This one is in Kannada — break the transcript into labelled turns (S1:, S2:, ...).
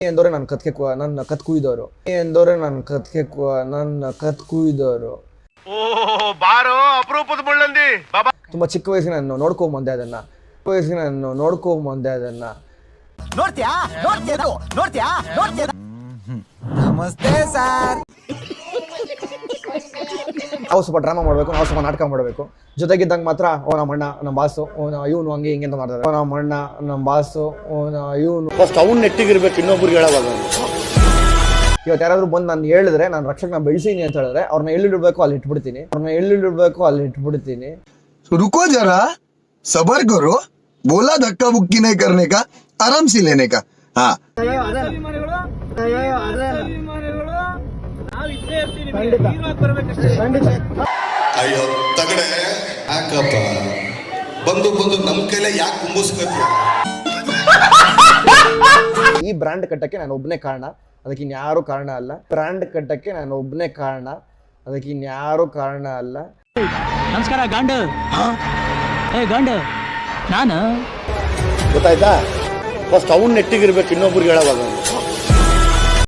S1: ಎಂದೋರೆ ನನ್ನ ಕತ್ ಕುಯ್ದವರು ಎಂದೋರೆ ನನ್ನ ಕತ್ ಕುಯ್ದವರು.
S2: ಬಾರೋ ಅಪರೂಪದ ಮುಳ್ಳಂದಿ ಬಾಬಾ.
S1: ತುಂಬಾ ಚಿಕ್ಕ ವಯಸ್ಸಿನ ನಾನು ನೋಡ್ಕೊಂಬಂದೆ ಅದನ್ನ.
S3: ನಮಸ್ತೆ ಸರ್.
S1: ನಾವು ಸ್ವಲ್ಪ ಡ್ರಾಮಾ ಮಾಡಬೇಕು, ನಾವು ಸ್ವಲ್ಪ ನಾಟಕ ಮಾಡಬೇಕು. ಜೊತೆಗಿದ್ದಂಗೆ ಮಾತ್ರ ನಮ್ಮ ಅಣ್ಣ ನಮ್ಮ ಬಾಸು ಇವನು ಹಂಗೆ ಹಿಂಗೆ ಅಂತ ಮಾಡ್ತಾರೆ. ನಮ್ಮ ಅಣ್ಣ ನಮ್ಮ ಬಾಸು ಇವನು
S4: ಫಸ್ಟ್ ಅವ್ನು ನೆಟ್ಟಿಗಿರ್ಬೇಕು, ಇನ್ನೊಬ್ರಿಗೆ ಹೇಳೋವಾಗ.
S1: ಇವತ್ತು ಯಾರಾದ್ರೂ ಬಂದು ನಾನು ಹೇಳಿದ್ರೆ ನಾನು ರಕ್ಷಕನ ಬೆಳೆಸೀನಿ ಅಂತ ಹೇಳಿದ್ರೆ ಅವ್ರನ್ನ ಎಲ್ಲಿಡ್ಬೇಕು ಅಲ್ಲಿ ಇಟ್ಬಿಡ್ತೀನಿ.
S5: रुको जरा सबर करो, बोला धक्का बुक्की नहीं करने का, आराम से लेने का. हाँ
S6: ಅಯ್ಯೋ ತಗಡೆ ಯಾಕಪ್ಪ ಬಂದು ನಮ್ ಕೈಲೇ ಯಾಕೆ ಕುಂಬಿಸ್ಬೇಕು.
S1: ಈ ಬ್ರ್ಯಾಂಡ್ ಕಟ್ಟಕ್ಕೆ ನಾನು ಒಬ್ಬನೇ ಕಾರಣ, ಅದಕ್ಕೆ ಇನ್ಯಾರು ಕಾರಣ ಅಲ್ಲ. ಬ್ರ್ಯಾಂಡ್ ಕಟ್ಟಕ್ಕೆ ನಾನು ಒಬ್ಬನೇ ಕಾರಣ, ಅದಕ್ಕೆ ಇನ್ಯಾರು ಕಾರಣ ಅಲ್ಲ.
S7: ನಮಸ್ಕಾರ ಗಂಡು. ಗಂಡು ನಾನು
S4: ಗೊತ್ತಾಯ್ತಾ? ಫಸ್ಟ್ ಅವ್ನು ನೆಟ್ಟಿಗಿರ್ಬೇಕು, ಇನ್ನೊಬ್ರಿಗೆ ಹೇಳೋವಾಗ.